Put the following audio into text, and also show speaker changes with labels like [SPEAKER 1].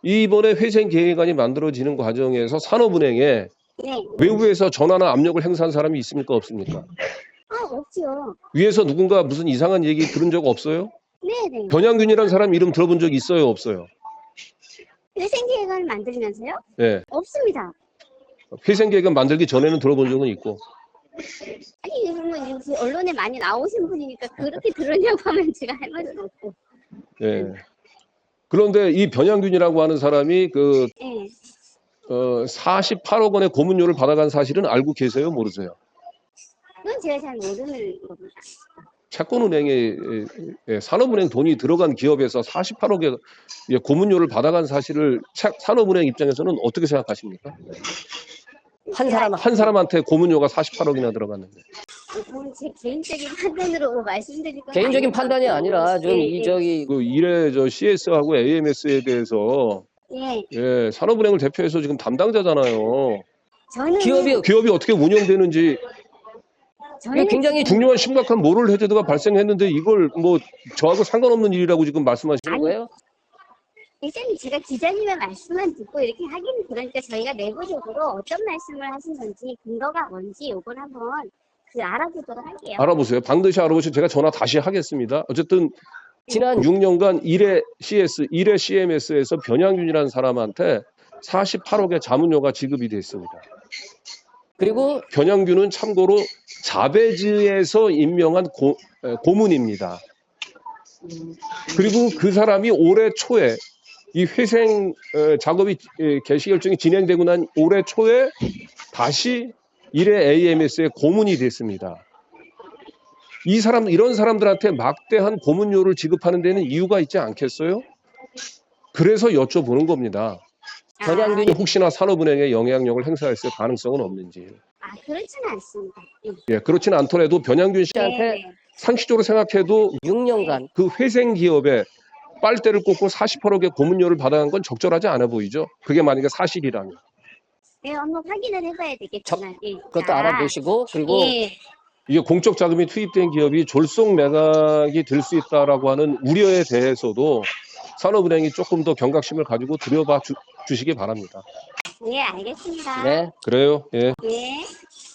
[SPEAKER 1] 이번에 회생계획안이 만들어지는 과정에서 산업은행에
[SPEAKER 2] 네.
[SPEAKER 1] 외부에서 전화나 압력을 행사한 사람이 있습니까? 없습니까?
[SPEAKER 2] 없죠.
[SPEAKER 1] 위에서 누군가 무슨 이상한 얘기 들은 적 없어요?
[SPEAKER 2] 네네.
[SPEAKER 1] 변양균이라는 사람 이름 들어본 적 있어요? 없어요?
[SPEAKER 2] 회생계획을 만들면서요?
[SPEAKER 1] 네.
[SPEAKER 2] 없습니다.
[SPEAKER 1] 회생계획안 만들기 전에는 들어본 적은 있고.
[SPEAKER 2] 아니, 그러면 이제 언론에 많이 나오신 분이니까 그렇게 들으냐고 하면 제가 할 말은 없고.
[SPEAKER 1] 예. 그런데 이 변양균이라고 하는 사람이 그
[SPEAKER 2] 네.
[SPEAKER 1] 48억 원의 고문료를 받아간 사실은 알고 계세요? 모르세요?
[SPEAKER 2] 그건 제가 잘 모르는 겁니다.
[SPEAKER 1] 채권은행에 산업은행 돈이 들어간 기업에서 48억의 고문료를 받아간 사실을 산업은행 입장에서는 어떻게 생각하십니까? 한 사람한테 고문료가 48억이나 들어갔는데.
[SPEAKER 2] 그건 제 개인적인 판단으로 말씀드릴 건
[SPEAKER 3] 개인적인
[SPEAKER 2] 아닌 것
[SPEAKER 3] 판단이
[SPEAKER 2] 같고요.
[SPEAKER 3] 아니라 좀
[SPEAKER 2] 예,
[SPEAKER 3] 이 저기
[SPEAKER 1] 그 이래 CS하고 AMS에 대해서
[SPEAKER 2] 예.
[SPEAKER 1] 산업은행을 대표해서 지금 담당자잖아요.
[SPEAKER 2] 저는
[SPEAKER 1] 기업이 어떻게 운영되는지
[SPEAKER 2] 저는
[SPEAKER 3] 굉장히
[SPEAKER 1] 중요한 심각한 모럴 해저드가 발생했는데 이걸 뭐 저하고 상관없는 일이라고 지금 말씀하시는
[SPEAKER 2] 아니,
[SPEAKER 1] 거예요?
[SPEAKER 2] 일단 제가 기자님의 말씀만 듣고 이렇게 하기는 그러니까 저희가 내부적으로 어떤 말씀을 하신 건지 근거가 뭔지 요걸 한번 알아보도록 할게요.
[SPEAKER 1] 알아보세요. 반드시 알아보시고 제가 전화 다시 하겠습니다. 어쨌든
[SPEAKER 3] 지난
[SPEAKER 1] 6년간 1회 CMS에서 변양균이라는 사람한테 48억의 자문료가 지급이 됐습니다.
[SPEAKER 3] 그리고
[SPEAKER 1] 변양균은 참고로 자베즈에서 임명한 고문입니다. 그리고 그 사람이 올해 초에 이 회생 작업이 개시 결정이 진행되고 난 올해 초에 다시 1회 AMS의 고문이 됐습니다. 이런 사람들한테 막대한 고문료를 지급하는 데는 이유가 있지 않겠어요? 그래서 여쭤보는 겁니다.
[SPEAKER 3] 변양균이
[SPEAKER 1] 혹시나 산업은행에 영향력을 행사했을 가능성은 없는지.
[SPEAKER 2] 그렇지는 않습니다.
[SPEAKER 1] 예, 그렇지는 않더라도 변양균 씨한테 상식적으로 생각해도
[SPEAKER 3] 6년간
[SPEAKER 1] 그 회생 기업에 빨대를 꽂고 48억의 고문료를 받아간 건 적절하지 않아 보이죠? 그게 만약에 사실이라면.
[SPEAKER 2] 네, 한번 확인을 해봐야 되겠지만.
[SPEAKER 3] 그것도 알아보시고 그리고
[SPEAKER 1] 이게 공적 자금이 투입된 기업이 졸속 매각이 될 수 있다라고 하는 우려에 대해서도 산업은행이 조금 더 경각심을 가지고 들여봐 주시기 바랍니다.
[SPEAKER 2] 네, 알겠습니다.
[SPEAKER 3] 네.
[SPEAKER 1] 그래요? 예.
[SPEAKER 2] 네.